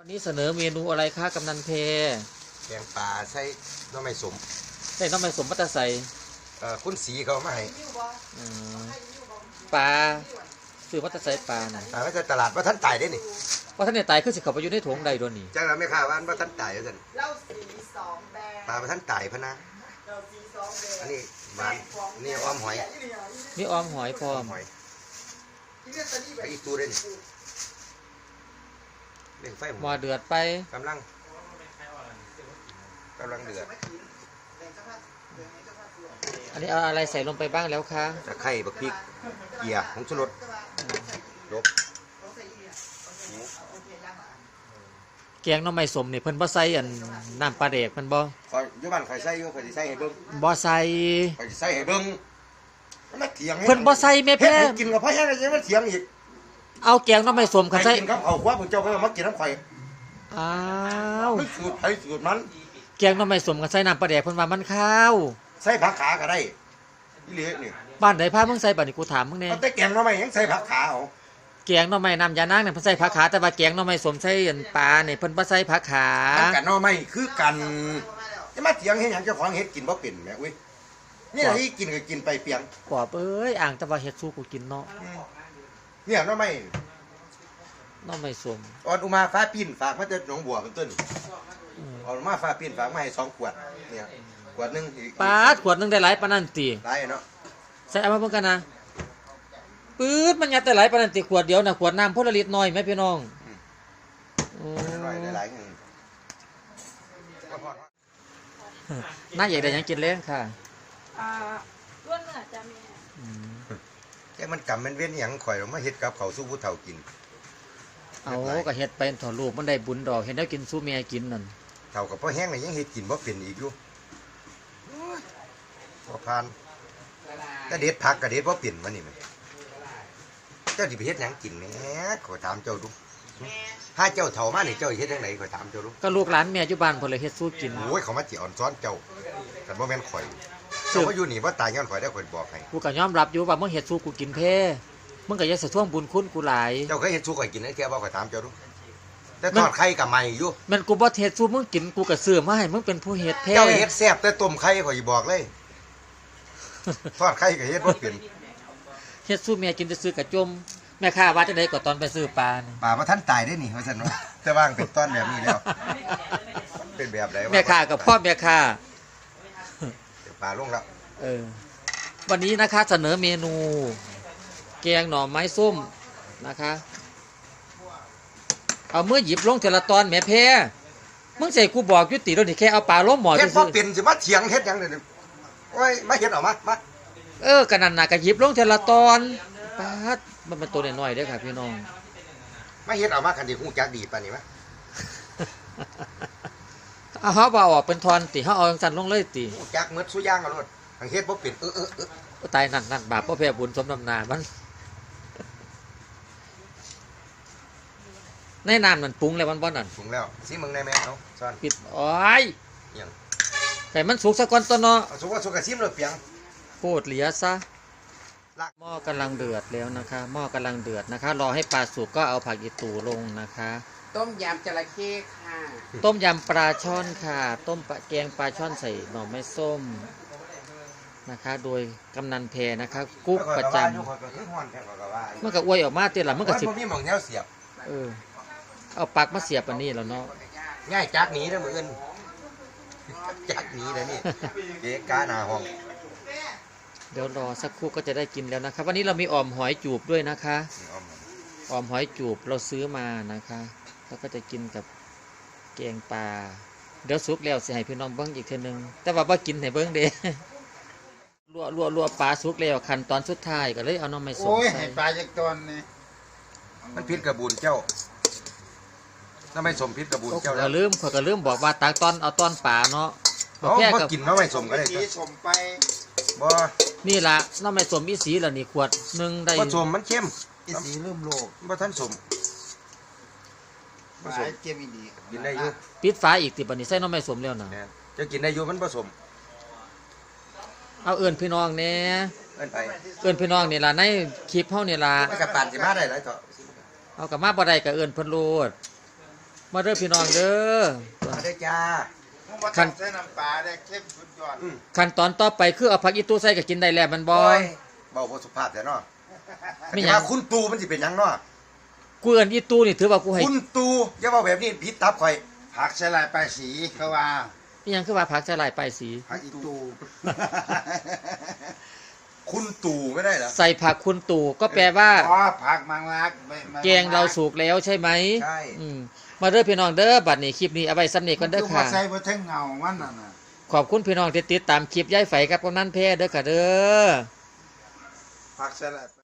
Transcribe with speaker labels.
Speaker 1: วันนี้เสนอเมนูอะไรคะกำนันเพ
Speaker 2: แกงปลาใส่น้ำไม่สม
Speaker 1: ใส่น้ำมันสมปัตตาใส่
Speaker 2: คุณสีเขามาให้
Speaker 1: ปลาซื้อปัตตาใส่ปลาน่ะ
Speaker 2: ไม่ใช่ตลาดว่าท่านตายได้นี่
Speaker 1: ว่าท่านเนี่ยตายคือสิเขาไปอยู่ในถุงใดโดนนี่
Speaker 2: จังเราไม่ข่าวว่าท่านตายแล้วท่านปลาว่าท่านตายพะนะอันนี้หวานนี่อ้อมหอย
Speaker 1: มีออมหอยพร้อม
Speaker 2: ไปอีกตัวได้นี่เล่งไฟ
Speaker 1: หม้อเดือดไป
Speaker 2: กำลังเดือด
Speaker 1: อันนี้เอาอะไรใส่ลงไปบ้างแล้วคะ
Speaker 2: ตะไคร้บักพริกเกี๊ยผงชูรสลบ
Speaker 1: แกงน้ำมันสมนี่เพิ่นบ่ใส่อันน้ำปลาเด็กเพิ่นบ่
Speaker 2: คอยยุบันคอยใส่ยุคอยใส่ให้เบิ้ง
Speaker 1: บ่ใส่
Speaker 2: คอยใส่ให้เบิ้งมันเถียง
Speaker 1: เพิ่นบ่ใส่แม่แพ้
Speaker 2: กินกับพ่อแห้งอะไรมันเถียงอีก
Speaker 1: เอาแกงน้ำมันสมกันใส่
Speaker 2: กินกับเอาคว้าผมเจ้าก็มากินน้ำข่อย
Speaker 1: อ้าว
Speaker 2: สูตรไทยสูตรมัน
Speaker 1: แกงน้ำมันสมกันใส่น้ำปลาเด็กเพิ่นว่ามันข้าว
Speaker 2: ใส่ผักขาก็ได้นี่เลยนี่
Speaker 1: บ้านไหนพามึงใส่บัดนี้กูถามมึงแน่
Speaker 2: แต่แกงน้ำมันยังใส่ผักขาเอา
Speaker 1: แกงน้ำมันน้ำยานางเนี่ยเพิ่นใส่ผักขาแต่ว่าแกงน้ำมันสมใส่ปลาเนี่ยเพิ่นบ่ใส่ผักขา
Speaker 2: มันกันน้ำมันคือกันจะมาเถียงเฮ็ดหยังเจ้าของเฮ็ดกินบ่เป็นแม่อุ้ยนี่ที่กินก็กินไปเปียง
Speaker 1: ปอบเอ้ยอ่างแต่ว่าเฮ็ดสู้กูกินเนาะ
Speaker 2: เนี่ยน้ำมัน
Speaker 1: สม
Speaker 2: ออนอุมาฟ้าปิ่นฝากมาจากหนองบัวเป็นต้นออนอุมาฟ้าปิ่นฝากมาให้2 ขวดเนี่ยขวดนึงอีก
Speaker 1: ปาดขวดนึงได้หลายปานนั้นติ
Speaker 2: หลายเนาะ
Speaker 1: ใส่เอามาเบิ่งกันนะปื๊ดมันยัดได้หลายปานนั้นติขวดเดียวน่ะขวดน้ำพลลิตรน้อยแม่พี่น้อง
Speaker 2: น้อยได้หลาย
Speaker 1: น่าอยากได้หยังกินเล้งค่ะ
Speaker 3: ล้วนเนื้อจ้ะแม่
Speaker 2: แค่มันกำมันเว้นหยังข่อยมาเฮ็ดกับเขาสู้ผู้เฒ่ากิน
Speaker 1: เอาก็เฮ็ดไปถอดรูปมันได้บุญดอกเห็นแล้วกินสู้แม่กินนั่น
Speaker 2: เฒ่ากับพ่อแห้งนี่ยังเฮ็ดกินบ่เป็นอีกอยู่บ่ผ่านก็เด็ดผักก็เด็ดบ่เป็นมันนี่แม่เจ้าสิไปเฮ็ดหยังกินแหมขอถามเจ้าดูถ้าเจ้าเฒ่ามานี่เจ้าเฮ็ดจังได๋ขอถามเจ้าดู
Speaker 1: ก็ลูกหลานแม่อยู่บ้านเพิ่นเลยเฮ็ดสู้กิน
Speaker 2: โอ้ยเขามาจิอ่อนซ้อนเจ้าแต่บ่แม่นข่อยเจ้าบ่อยู่นี่บ่ตายย้อนข่อยได้ข่อยบอกให้
Speaker 1: กูก็ยอมรับอยู่ว่ามึงเฮ็ดสู้กูกินแท้มึงก็อย่าสะท้วงบุญคุณกูหลาย
Speaker 2: เจ้าเคยเฮ็ดสู้ข่อยกินได้แค่บ่ข่อยถามเจ้าดูแต่ทอดไข่ก็ใหม่อยู่
Speaker 1: มันกูบ่เฮ็ดสู้มึงกินกูก็ซื้อมาให้มึงเป็นผู้เฮ็ดแท้
Speaker 2: เจ้าเฮ็ดแซ่บแต่ต้มไข่ข่อยบอกเลยทอดไข่ก็เฮ็ดบ่เป็น
Speaker 1: เฮ็ดสู้แม่กินซื้อกระจมแม่ค้าว่าจังได๋ก็ตอนไปซื้อปลานี่
Speaker 2: ปลาบ่ทันตายได้นี่ว่าซั่นว่าแต่ว่างเป็นต้นแบบนี้แล้วเป็นแบบใด
Speaker 1: แม่ค้ากับพ่อแม่ค้า
Speaker 2: ปลาลงแล้ว
Speaker 1: วันนี้นะคะเสนอเมนูแกงหน่อไม้ส้มนะคะเอามือหยิบลงแต่ละตอนแม่แพ้มึงใส่กูบอกยุติแล้วนี่แค่เอาปลาล้มหมอ
Speaker 2: เฮ็ดบ่เป็นสิมาเถียงเฮ็ดหยังเด้อโอ้ยมาเฮ็ดออกมา
Speaker 1: กันนั่นน่ะก็หยิบลงแต่ละตอนปาดมันเป็นตัวน้อยๆเด้อค่ะพี่น้อง
Speaker 2: มาเฮ็ดออกมาคันสิฮู้จักดีปานนี้มั้ย
Speaker 1: เอาเฮาบ่ออกเป็นทอนติเฮาเอาจังซั่นลงเลยติ
Speaker 2: ฮู้จักหมดซุอย่างเอาโลดทังเฮ็ดบ่เป็น
Speaker 1: ตายนั่นบาปบ่แพ้บุญสมน้ำหน้ามันในน้ำนั่นปรุงแล้วมันบ่นั่น
Speaker 2: ปรุงแล้วสิมึงได้แม่เนาะซ่อน
Speaker 1: ปิดโอ้ย
Speaker 2: หยัง
Speaker 1: แต่มันสุกซะก่อนตัวเนาะ
Speaker 2: สุกก็สุกก็ซิมเลยเปียง
Speaker 1: โคตรเหลียซะหม้อกำลังเดือดแล้วนะคะหม้อกำลังเดือดนะคะรอให้ปลาสุกก็เอาผักอีตู่ลงนะคะ
Speaker 3: ต้มยำจระเข้ค่ะ
Speaker 1: ต้มยำปลาช่อนค่ะต้มแกงปลาช่อนใส่หน่อไม้ส้มนะคะโดยกำนันเพนะคะกุ๊กประจำมันก็อวยออกมาเตี้ยละมันก็สิบ
Speaker 2: มีหม่องแนวเสียบ
Speaker 1: เอาปักมาเสียบอันนี้แล้วเนาะ
Speaker 2: ง่ายจักหนีนะมื้ออื่นจักหนีแล้วนี่เกะกะหน้าห้อง
Speaker 1: เดี๋ยวรอสักครู่ก็จะได้กินแล้วนะครับวันนี้เรามีอ่อมหอยจูบด้วยนะคะอ่อมหอยจูบเราซื้อมานะคะแล้วก็จะกินกับแกงปลาเดี๋ยวสุกแล้วสิให้พี่น้องเบิ้งอีกทีนึงแต่ว่าบ่กินให้เบิ้งเด้ลวกปลาสุกแล้วขั้นตอนสุดท้ายก็เลยเอาน้ำไม่สม
Speaker 2: โอ้ยให้ปลาจากตอนนี้มันพิษกระบุนเจ้าน้ำไม่สมพิษกระบุนเจ้า
Speaker 1: แล้วก็ลืมบอกว่าตักตอนเอาตอนปลาเนาะ
Speaker 2: แค่กินน้ำไม่สมก็ได้
Speaker 3: สมไป
Speaker 2: บ่
Speaker 1: นี่ล่ะน้ำไม่สมอีสีล่ะนี่ขวดนึงได้
Speaker 2: บ่สมมันเข้ม
Speaker 3: อีสีเริ่มโลก
Speaker 2: บ่ทันสม
Speaker 3: บ่สมเข้มอีดี
Speaker 2: กินได้อยู่
Speaker 1: ปิดฝาอีกติบัดนี้ใส่น้ำไม่สมแล้วนะ
Speaker 2: จะกินได้อยู่มันผสม
Speaker 1: เอาเอิ้นพี่น้องแน่
Speaker 2: เอิ้นไป
Speaker 1: เอิ้นพี่น้องนี่ล่ะในคลิปเฮานี่ล่ะ
Speaker 2: มันก็ปานสิมาได้หลายเถาะ
Speaker 1: เอาก็มาบ่ได้ก็เอิ้นเพิ่นโลดมาเด้อพี่น้องเด้อ
Speaker 2: มาได้จ้า
Speaker 1: ขั้น
Speaker 4: ใส่น้ำปลาได้เข้มสุดยอด
Speaker 1: ขั้นตอนต่อไปคือเอาผักอีตู้ใส่ก็กินได้แล้วมันบ่
Speaker 2: เบาบ่สุภาพแต่เนาะ
Speaker 1: ไม่ห
Speaker 2: แต่
Speaker 1: ยัง
Speaker 2: ว่าคุณตูมันสิเป็นหยังเนาะ
Speaker 1: กูเอิ้นอีตู้นี่ถือว่ากูให้
Speaker 2: คุณตูอย่าเว้าแบบนี้ผิดตับข่อย
Speaker 4: ผักใส่ลายปลายสีเขาว่า
Speaker 1: อีหยังคือว่าผักสลายปลายสี
Speaker 4: ผักอีตู
Speaker 2: คุณตูไม่ได้เหรอ
Speaker 1: ใส่ผักคุณตู่ก็แปลว่า
Speaker 4: อ๋อผักมังลักไม่
Speaker 1: แกงเราสุกแล้วใช่ไหม
Speaker 2: ใช่
Speaker 1: อืมมาเด้อพี่น้องเด้อบัดนี้คลิปนี้เอาไว้ซ้ำนี้ก่อนเด้อ
Speaker 4: คือ
Speaker 1: ค่ะ
Speaker 4: มาใส่บนเท่งเงามันน่ะนะ
Speaker 1: ขอบคุณพี่น้องที่ติดตามคลิปย้ายไฝกับกำนันแพ้เด้อค่ะเด้อ
Speaker 4: ผักใส่ลาย